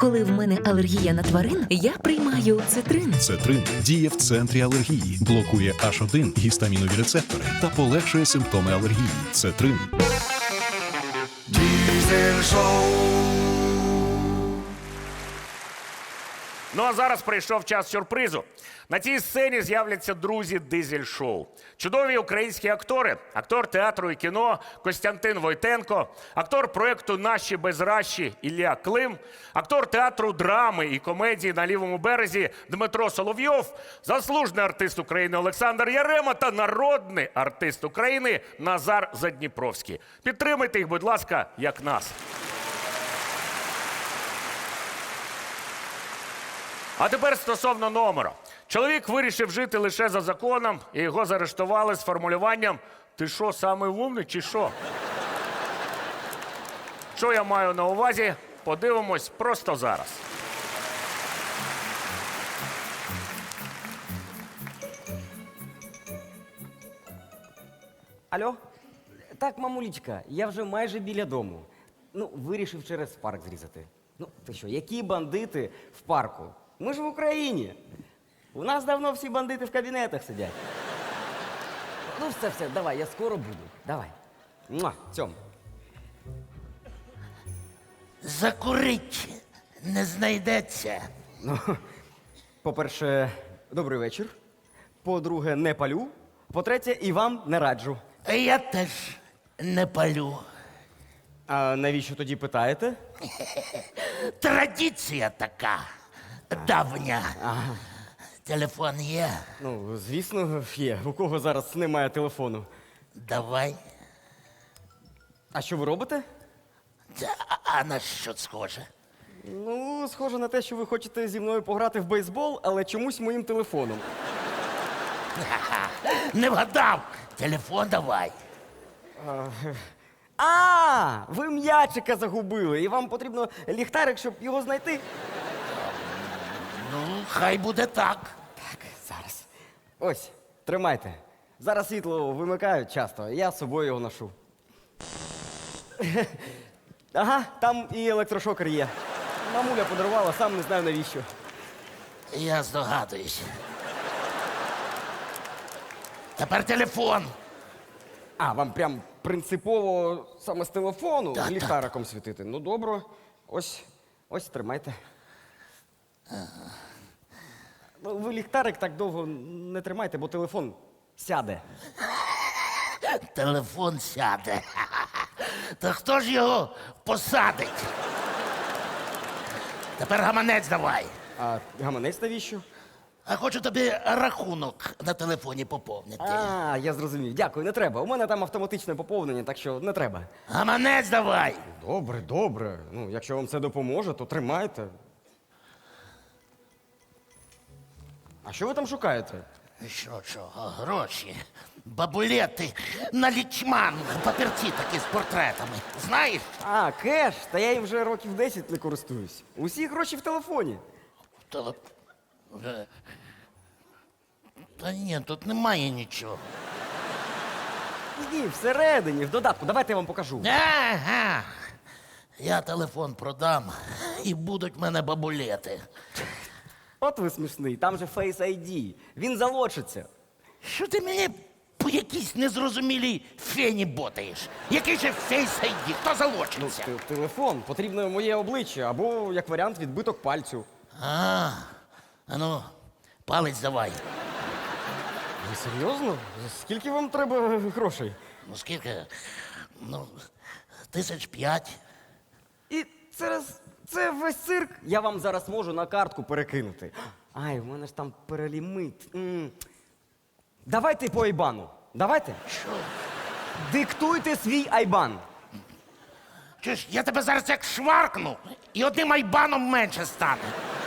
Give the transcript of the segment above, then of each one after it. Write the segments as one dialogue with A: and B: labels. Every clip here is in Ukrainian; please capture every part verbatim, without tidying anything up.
A: Коли в мене алергія на тварин, я приймаю цитрин.
B: Цетрин діє в центрі алергії, блокує аш один гістамінові рецептори та полегшує симптоми алергії. Цетрин.
C: Diesel Show.
D: Ну а зараз прийшов час сюрпризу. На цій сцені з'являться друзі Дизель Шоу. Чудові українські актори, актор театру і кіно Костянтин Войтенко, актор проєкту «Наші безращі» Ілля Клим, актор театру драми і комедії «На лівому березі» Дмитро Соловйов, заслужений артист України Олександр Ярема та народний артист України Назар Задніпровський. Підтримайте їх, будь ласка, як нас. А тепер стосовно номера. Чоловік вирішив жити лише за законом, і його заарештували з формулюванням «Ти що, самий умний чи що?». Що я маю на увазі, подивимось просто зараз.
E: Алло? Так, мамулічка, я вже майже біля дому. Ну, вирішив через парк зрізати. Ну, ти що, які бандити в парку? Ми ж в Україні. У нас давно всі бандити в кабінетах сидять. Ну, все, все, давай, я скоро буду. Давай. Муа, Цьом.
F: Закурить не знайдеться.
E: Ну, по-перше, добрий вечір. По-друге, не палю. По-третє, і вам не раджу.
F: Я теж не палю.
E: А навіщо тоді питаєте?
F: Традиція така давня. Телефон є?
E: Ну, звісно, є. У кого зараз немає телефону?
F: Давай.
E: А що ви робите?
F: Та, а- а на що схоже?
E: Ну, схоже на те, що ви хочете зі мною пограти в бейсбол, але чомусь моїм телефоном.
F: Не вгадав. Телефон давай.
E: А, ви м'ячика загубили, і вам потрібно ліхтарик, щоб його знайти.
F: Ну, хай буде так.
E: Так, зараз. Ось, тримайте. Зараз світло вимикають часто, я з собою його ношу. Ага, там і електрошокер є. Мамуля подарувала, сам не знаю навіщо.
F: Я здогадуюсь. Тепер телефон.
E: А, вам прям принципово саме з телефону
F: Так,
E: ліхтариком світити. Ну, добре. Ось, ось, тримайте. Ну, ви ліхтарик так довго не тримайте, бо телефон сяде.
F: Телефон сяде. Та хто ж його посадить? Тепер гаманець давай.
E: А гаманець навіщо?
F: А хочу тобі рахунок на телефоні поповнити.
E: А, я зрозумів. Дякую, не треба. У мене там автоматичне поповнення, так що не треба.
F: Гаманець давай.
E: Добре, добре. Ну, якщо вам це допоможе, то тримайте. А що ви там шукаєте?
F: Що, що, гроші, бабулети, налічман, папірці такі з портретами. Знаєш?
E: А, кеш, та я їм вже років десять не користуюсь. Усі гроші в телефоні.
F: Телеп... Е, Та ні, тут немає нічого.
E: Ні, всередині, в додатку. Давайте я вам покажу.
F: Ага. Я телефон продам і будуть в мене бабулети.
E: От ви смішний, там же Face ай ді. Він залочиться.
F: Що ти мені по якійсь незрозумілій фені ботаєш? Який же Face ай ді? Хто залочиться?
E: Т- Телефон, потрібно моє обличчя, або, як варіант, відбиток пальцю.
F: А, а ну, палець давай.
E: Ви серйозно? Скільки вам треба грошей?
F: Ну скільки? Ну, тисяч п'ять.
E: І зараз це весь цирк. Я вам зараз можу на картку перекинути. Ай, в мене ж там перелімит. М. Давайте по айбану. Давайте.
F: Що?
E: Диктуйте свій айбан.
F: Чуєш, я тебе зараз як шваркну, і одним айбаном менше стане.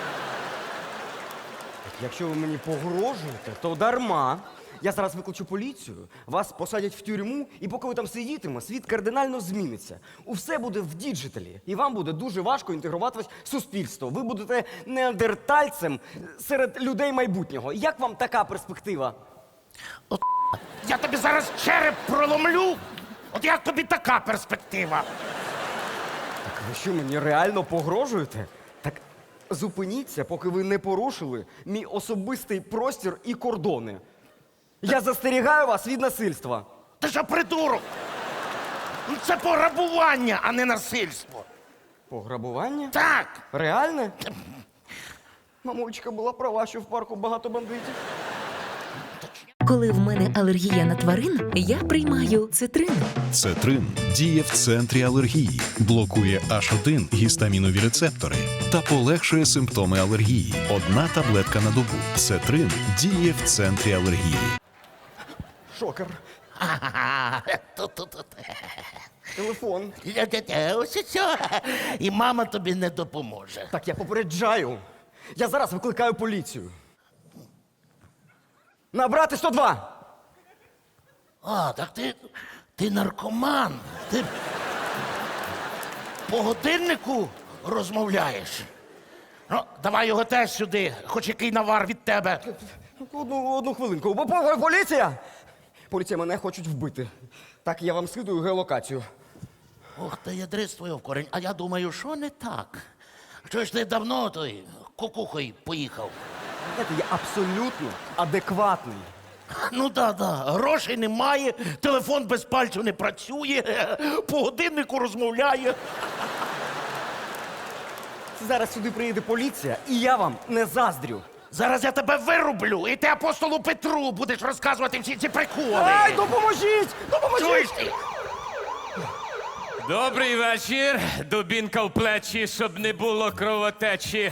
E: Якщо ви мені погрожуєте, то дарма. Я зараз викличу поліцію, вас посадять в тюрму, і поки ви там сидітиме, світ кардинально зміниться. Усе буде в діджиталі, і вам буде дуже важко інтегруватися в суспільство. Ви будете неандертальцем серед людей майбутнього. Як вам така перспектива?
F: От я тобі зараз череп проломлю. От як тобі така перспектива?
E: Так ви що, мені реально погрожуєте? Так зупиніться, поки ви не порушили мій особистий простір і кордони. Я застерігаю вас від насильства.
F: Ти що, придурок? Ну, це пограбування, а не насильство.
E: Пограбування?
F: Так.
E: Реальне? Мамулечка була права, що в парку багато бандитів.
A: Коли в мене алергія на тварин, я приймаю цитрин.
B: Цетрин діє в центрі алергії, блокує аш один гістамінові рецептори та полегшує симптоми алергії. Одна таблетка на добу. Цетрин діє в центрі алергії.
E: Шокер.
F: Ага, тут-тут-тут.
E: Телефон.
F: Ось що. І мама тобі не допоможе.
E: Так я попереджаю. Я зараз викликаю поліцію. Набрати сто два.
F: А, так ти, ти наркоман. Ти по годиннику розмовляєш. Ну, давай його теж сюди, хоч який навар від тебе.
E: Одну, одну хвилинку. Бо- бо- Поліція! Поліція, мене хочуть вбити. Так, я вам скидую геолокацію.
F: Ох, ти ядрис твоє в корінь. А я думаю, що не так? Що ж ти давно той кукухою поїхав?
E: Знаєте, я абсолютно адекватний.
F: Ну да, да, грошей немає, телефон без пальців не працює, по годиннику розмовляє.
E: Зараз сюди приїде поліція, і я вам не заздрю.
F: Зараз я тебе вирублю, і ти апостолу Петру будеш розказувати всі ці приколи.
E: Ай, допоможіть!
F: Чуєш
E: Допоможіть!
F: ти?
C: Добрий вечір. Дубінка в плечі, щоб не було кровотечі.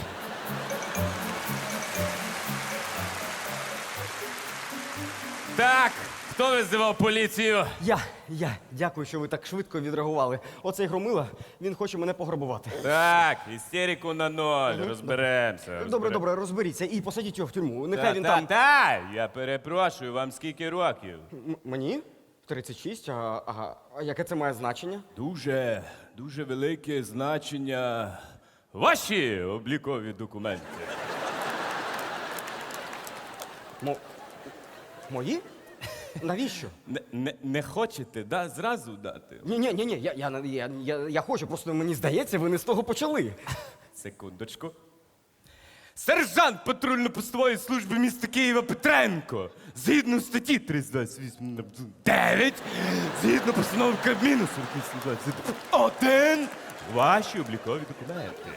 C: Так, хто визивав поліцію?
E: Я, я, дякую, що ви так швидко відреагували. Оцей громила, він хоче мене пограбувати.
C: Так, істерику на ноль, розберемося.
E: Добре, добре, розберіться і посадіть його в тюрму. Нехай
C: Та,
E: він
C: та,
E: там.
C: та, я перепрошую, вам скільки років?
E: М- Мені? тридцять шість, а, ага. А яке це має значення?
C: Дуже, дуже велике значення. Ваші облікові документи.
E: Мо... Мої? Навіщо?
C: Не, не, не хочете, да, зразу дати?
E: Ні, ні, ні, ні, я, я, я, я, я хочу, просто мені здається, ви не з того почали.
C: Секундочку. Сержант патрульно-постової служби міста Києва Петренко. Згідно статті триста двадцять вісім дев'ять, згідно постанови Кабміну сорок вісім двадцять один, ваші облікові документи.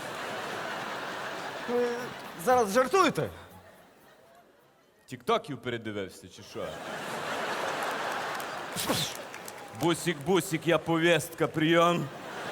E: Ви зараз жартуєте?
C: Тіктоків передивився, чи що? Бусік, бусік, я повістка, прийом.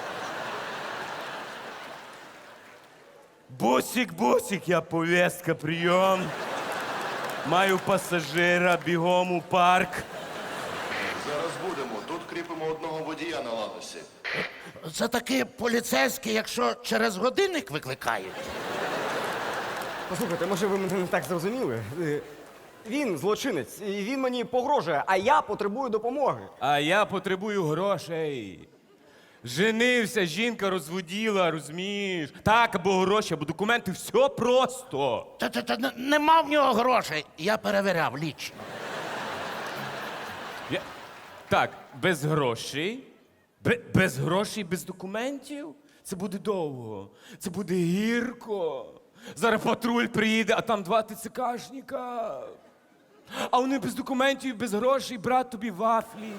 C: Бусік, бусік, я повістка, прийом. Маю пасажира, бігом у парк.
G: Зараз будемо. Тут кріпимо одного водія на ланосі.
F: Це таки поліцейські, якщо через годинник викликають.
E: Послухайте, може ви мене не так зрозуміли? Е, Він злочинець, і він мені погрожує, а я потребую допомоги.
C: А я потребую грошей. Женився, жінка розводіла, розумієш? Так, або гроші, або документи, все просто.
F: Та, та, та, н- нема в нього грошей. Я перевіряв лічно.
C: Я... Так, без грошей. Бе- без грошей, без документів. Це буде довго. Це буде гірко. Зараз патруль приїде, а там два ТЦКшника. А вони без документів, без грошей, брат тобі вафлі.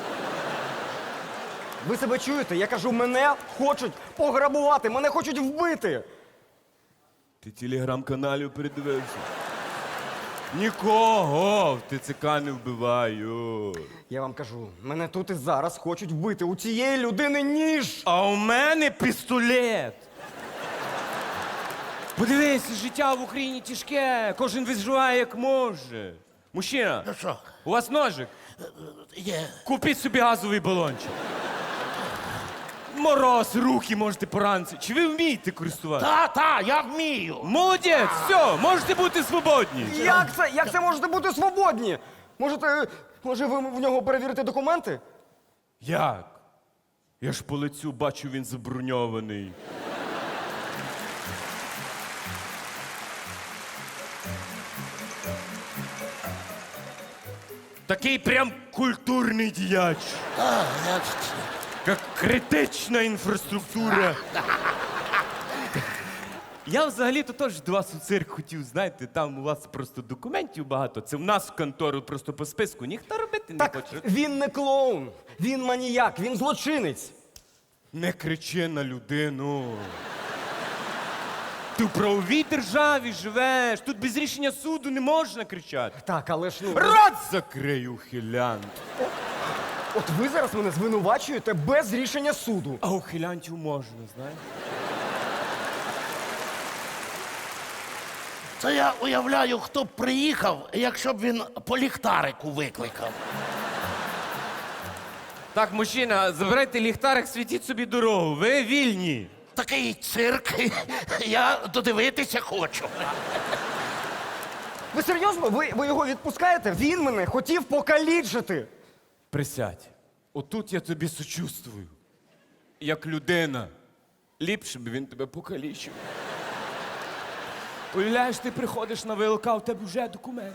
E: Ви себе чуєте? Я кажу, мене хочуть пограбувати, мене хочуть вбити.
C: Ти телеграм-каналів передивився? Нікого в ТЦК не вбиваю.
E: Я вам кажу, мене тут і зараз хочуть вбити. У цієї людини ніж.
C: А у мене пістолет. Подивись, життя в Україні тяжке, кожен виживає як може. Мужчина,
F: Ну що,
C: у вас ножик?
F: є.
C: Купіть собі газовий балончик. Мороз, руки можете поранити. Чи ви вмієте користуватися?
F: Та, та, я вмію.
C: Молодець, все, можете бути свободні.
E: Як це? Як це можете бути свободні? Можете, може, ви в нього перевірите документи?
C: Як? Я ж по лицю бачу, він заброньований. Такий прям культурний діяч.
F: А, я...
C: Як критична інфраструктура. Я взагалі-то теж до вас у цирк хотів, знаєте, там у вас просто документів багато. Це в нас в контору просто по списку ніхто робити не
E: Так
C: хоче.
E: він не клоун, він маніяк, він злочинець.
C: Не кричи на людину. Ти в правовій державі живеш. Тут без рішення суду не можна кричати.
E: Так, але ж ну.
C: Рот закрий, ухилянт.
E: От ви зараз мене звинувачуєте без рішення суду.
C: А ухилянтів можна, знаєш?
F: Це я уявляю, хто б приїхав, якщо б він по ліхтарику викликав.
C: Так, мужчина, забирайте ліхтарик, світіть собі дорогу. Ви вільні.
F: Такий цирк, я додивитися хочу.
E: Ви серйозно? Ви, ви його відпускаєте? Він мене хотів покалічити.
C: Присядь. Отут я тобі сочувствую. Як людина. Ліпше б він тебе покалічив. Уявляєш, ти приходиш на ВЛК, у тебе вже документи.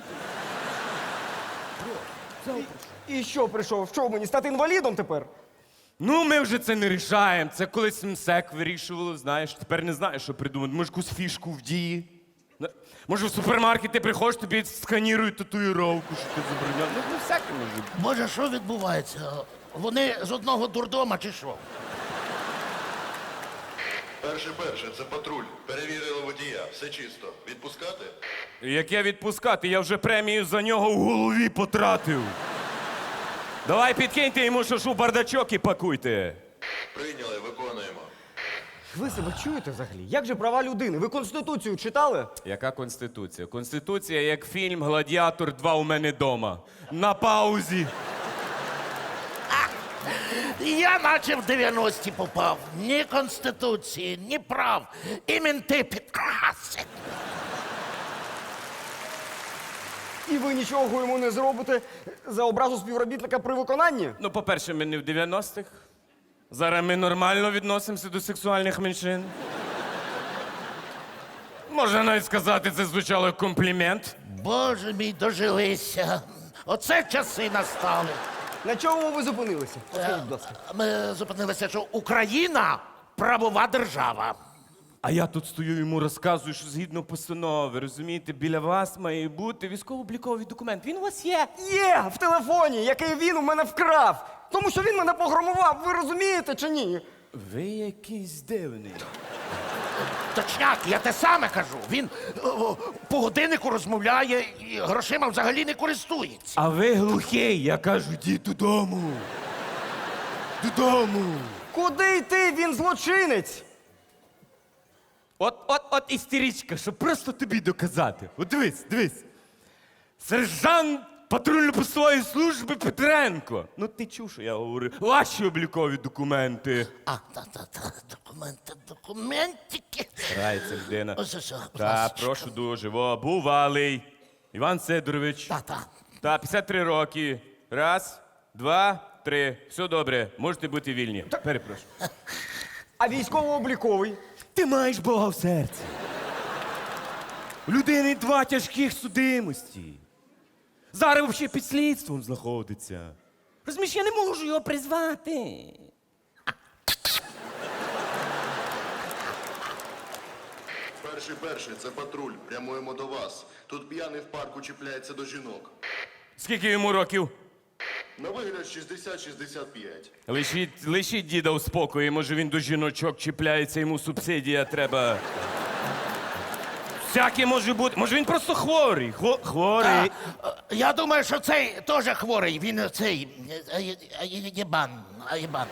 E: І що прийшов? Що мені стати інвалідом тепер?
C: Ну, ми вже це не рішаємо. Це колись МСЕК вирішувало, знаєш. Тепер не знаєш, що придумати. Може, якусь фішку в дії. На- Може, в супермаркет ти приходиш, тобі сканірують татуїровку, що ти забороняв. Ну, ну, всяке може бути.
F: Боже, що відбувається? Вони з одного дурдома чи що?
G: Перше, перше, це патруль. Перевірили водія. Все чисто. Відпускати?
C: Яке відпускати? Я вже премію за нього в голові потратив. Давай підкиньте йому, що ж у бардачок і пакуйте.
G: Прийняли, виконуємо.
E: Ви себе чуєте взагалі? Як же права людини? Ви Конституцію читали?
C: Яка Конституція? Конституція як фільм «Гладіатор два у мене дома». На паузі.
F: Я наче в дев'яності попав. Ні конституції, ні прав. І менти підкрасять.
E: І ви нічого йому не зробите за образу співробітника при виконанні?
C: Ну, по-перше, ми не в дев'яностих. Зараз ми нормально відносимося до сексуальних меншин. Можна навіть сказати, це звучало як комплімент.
F: Боже мій, дожилися. Оце часи настали.
E: На чому ви зупинилися? Скажіть, будь ласка.
F: Ми зупинилися, що Україна правова держава.
C: А я тут стою йому розказую, що згідно постанови, розумієте, біля вас має бути військово-обліковий документ. Він у вас є.
E: Є в телефоні, який він у мене вкрав. Тому що він мене погромував, ви розумієте чи ні?
C: Ви якийсь дивний.
F: Точняк, я те саме кажу. Він о, по годиннику розмовляє і грошима взагалі не користується.
C: А ви глухий, я кажу, йдіть додому. Додому.
E: Куди йти? Він злочинець.
C: От, от, от істеричка, щоб просто тобі доказати. От дивись, дивись. Сержант патрульно-постової служби Петренко. Ну ти чув, що я говорю. Ваші облікові документи.
F: А, та-та-та, документи, документики.
C: Грається людина.
F: Ось ось.
C: Так, прошу дуже. Во, бувалий. Іван Сидорович.
F: Та-та.
C: Так, п'ятдесят три роки. Раз, два, три. Все добре, можете бути вільні. Перепрошую.
E: А військово-обліковий?
C: Ти маєш Бога в серці. У людини два тяжких судимості. Зараз взагалі під слідством знаходиться. Розумієш, я не можу його призвати.
G: Перший, перший, це патруль. Прямуємо до вас. Тут п'яний в парку чіпляється до жінок.
C: Скільки йому років?
G: На вигляд шістдесят шістдесят п'ять.
C: Лишіть, лишіть діда у спокої, може він до жіночок чіпляється, йому субсидія треба. Всяке може бути. Може він просто хворий. Хво, хворий.
F: Е, Я думаю, що цей теж хворий. Він цей е, е, е, єбан. Єбан.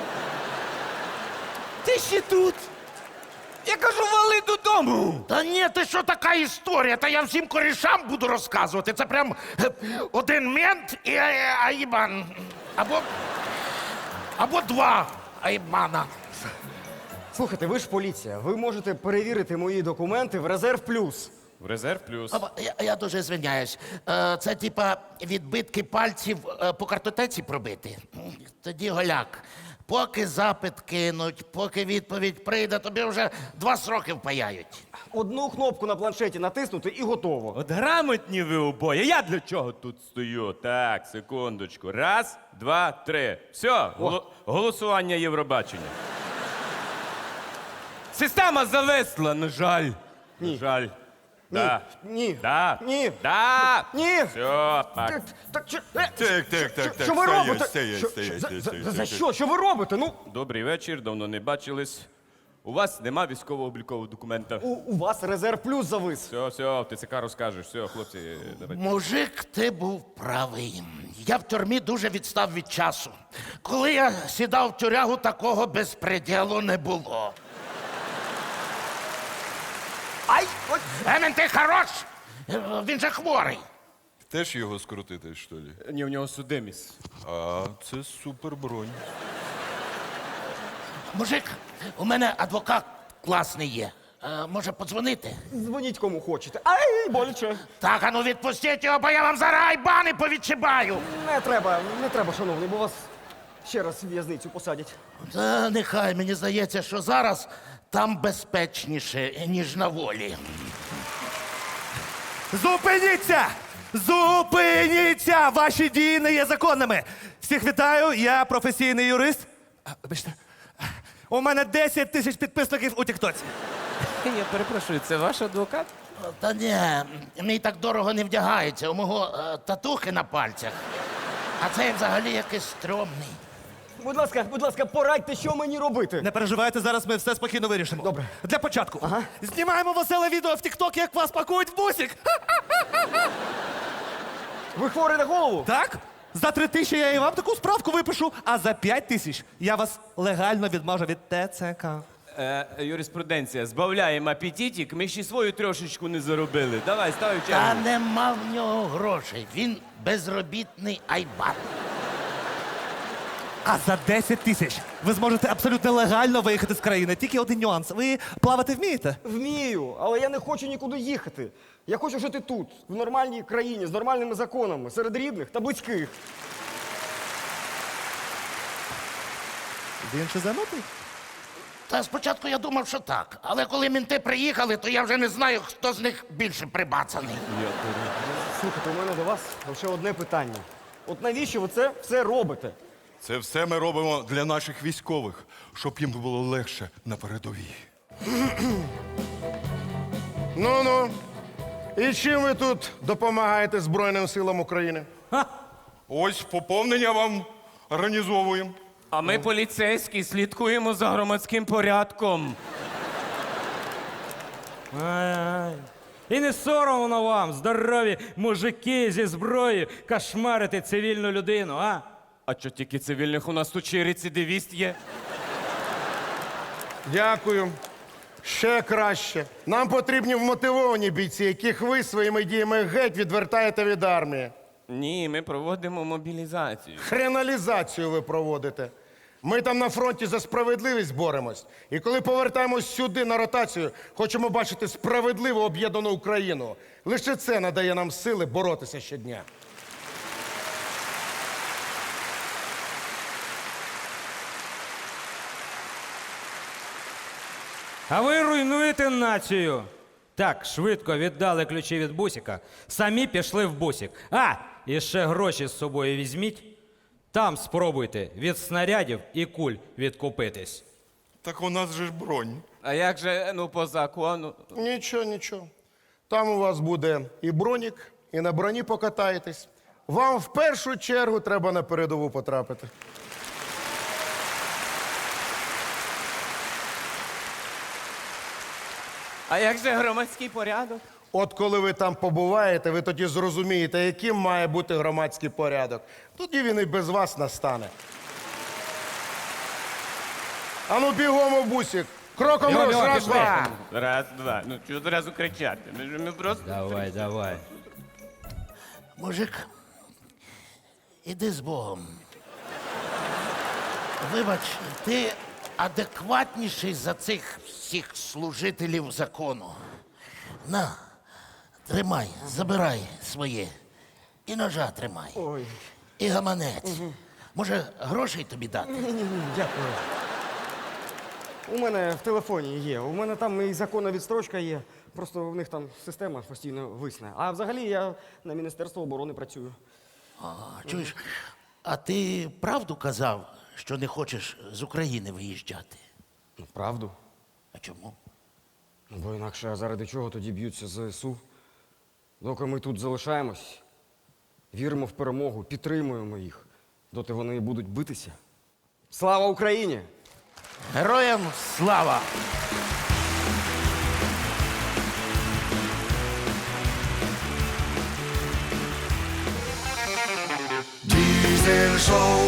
C: Ти ще тут? Я кажу, вали додому.
F: Та ні, ти що така історія? Та я всім корішам буду розказувати. Це прям е, один мент і е, аїбан. Або, або два аїбана.
E: Слухайте, ви ж поліція. Ви можете перевірити мої документи в резерв плюс.
C: В резерв плюс.
F: Або- Я, я дуже звиняюсь. Е, Це типа відбитки пальців е, по картотеці пробити. Тоді голяк. Поки запит кинуть, поки відповідь прийде, тобі вже два сроки впаяють.
E: Одну кнопку на планшеті натиснути і готово.
C: От грамотні ви обоє. Я для чого тут стою? Так, секундочку. Раз, два, три. Все, голо- голосування Євробачення. Система зависла, на жаль.
E: Ні.
C: На жаль. Да.
E: Ні.
C: Да.
E: Ні.
C: Да.
E: Ні.
C: Все, так.
E: Так, так, що, е,
H: Так, так, так,
E: що-
H: так,
E: що ви
H: стоять,
E: робите?
H: стоять,
E: Що-
H: стоять,
E: за-
H: стоять,
E: за-
H: стоять,
E: За
H: стоять.
E: що? Що ви робите? Ну,
C: Добрий вечір, давно не бачились. У вас нема військово-облікового документа.
E: у, у вас резерв плюс завис.
C: Все, все, в ТЦК розкажеш. Все, хлопці, давайте.
F: Мужик, ти був правий. Я в тюрмі дуже відстав від часу. Коли я сідав в тюрягу, такого безпреділу не було.
E: Ай! Ой!
F: Емен, ти хорош! Е, Він же хворий.
H: Теж його скрутити, що ли?
C: Ні, у нього судимість.
H: А, це супер бронь.
F: Мужик, у мене адвокат класний є. Е, може, подзвонити?
E: Дзвоніть кому хочете. Ай, боляче.
F: Так, а ну відпустіть його, бо я вам зараз айбани повідчибаю.
E: Не треба, не треба, шановний, бо вас ще раз в в'язницю посадять.
F: Та нехай, мені здається, що зараз там безпечніше, ніж на волі.
I: Зупиніться! Зупиніться! Ваші дії не є законними. Всіх вітаю, я професійний юрист. А, вибачте. У мене десять тисяч підписників у Тіктоці.
C: Я перепрошую, це ваш адвокат?
F: Та ні, мій так дорого не вдягається. У мого е, татухи на пальцях. А цей взагалі якийсь стрьомний.
E: Будь ласка, будь ласка, порадьте, що мені робити.
I: Не переживайте, зараз ми все спокійно вирішимо.
E: Добре.
I: Для початку. Знімаємо веселе відео в Тікток, як вас пакують в бусик.
E: Ви хворий на голову?
I: Так? За три тисячі я і вам таку справку випишу, а за п'ять тисяч я вас легально відмажу від ТЦК.
C: Е, юриспруденція, збавляємо апетитик, ми ще свою трошечку не заробили. Давай, ставай в
F: Та
C: чергу.
F: нема в нього грошей. Він безробітний айбат.
I: А за десять тисяч ви зможете абсолютно легально виїхати з країни. Тільки один нюанс. Ви плавати вмієте?
E: Вмію, але я не хочу нікуди їхати. Я хочу жити тут, в нормальній країні, з нормальними законами, серед рідних та близьких.
I: Він ще занятий?
F: Та спочатку я думав, що так. Але коли мінти приїхали, то я вже не знаю, хто з них більше прибацаний.
E: Слухайте, у мене до вас лише одне питання. От навіщо ви це все робите?
H: Це все ми робимо для наших військових, щоб їм було легше на передовій.
J: Ну-ну. І чим ви тут допомагаєте Збройним силам України?
H: Ось поповнення вам організовуємо.
C: А ми, поліцейські, слідкуємо за громадським порядком.
K: Ай-ай. І не соромно вам, здорові мужики зі зброєю, кошмарити цивільну людину, а?
C: А що тільки цивільних у нас тут ще й рецидивіст є?
J: Дякую. Ще краще. Нам потрібні вмотивовані бійці, яких ви своїми діями геть відвертаєте від армії.
C: Ні, ми проводимо мобілізацію.
J: Хреналізацію ви проводите. Ми там на фронті за справедливість боремось. І коли повертаємось сюди на ротацію, хочемо бачити справедливо об'єднану Україну. Лише це надає нам сили боротися щодня.
K: А ви руйнуєте націю. Так, швидко віддали ключі від бусика, самі пішли в бусик. А, і ще гроші з собою візьміть. Там спробуйте від снарядів і куль відкупитись.
H: Так у нас же ж бронь.
C: А як же, ну, по закону?
J: Нічого, нічого. Там у вас буде і бронік, і на броні покатаєтесь. Вам в першу чергу треба на передову потрапити.
C: А як же громадський порядок?
J: От коли ви там побуваєте, ви тоді зрозумієте, яким має бути громадський порядок. Тоді він і без вас настане. Ану бігом у бусик. Кроком
K: Бігом,
J: руш,
K: бігом,
J: раз,
K: пішли.
J: два.
C: Раз, два. Ну, чого одразу кричати? Ми ж ми просто...
K: Давай, давай.
F: Мужик, іди з Богом. Вибач, ти адекватніший за цих всіх служителів закону. На, тримай, забирай своє. І ножа тримай.
E: Ой,
F: І гаманець. Може, грошей тобі дати?
E: ні-ні-ні, дякую. У мене в телефоні є. У мене там і законна відстрочка є. Просто в них там система постійно висне. А взагалі я на Міністерство оборони працюю.
F: А, чуєш, а ти правду казав, що не хочеш з України виїжджати?
E: Ну, правду.
F: А чому?
E: Ну, бо інакше а заради чого тоді б'ються ЗСУ? Доки ми тут залишаємось, віримо в перемогу, підтримуємо їх, доти вони і будуть битися. Слава Україні!
F: Героям слава!
J: Дізель шоу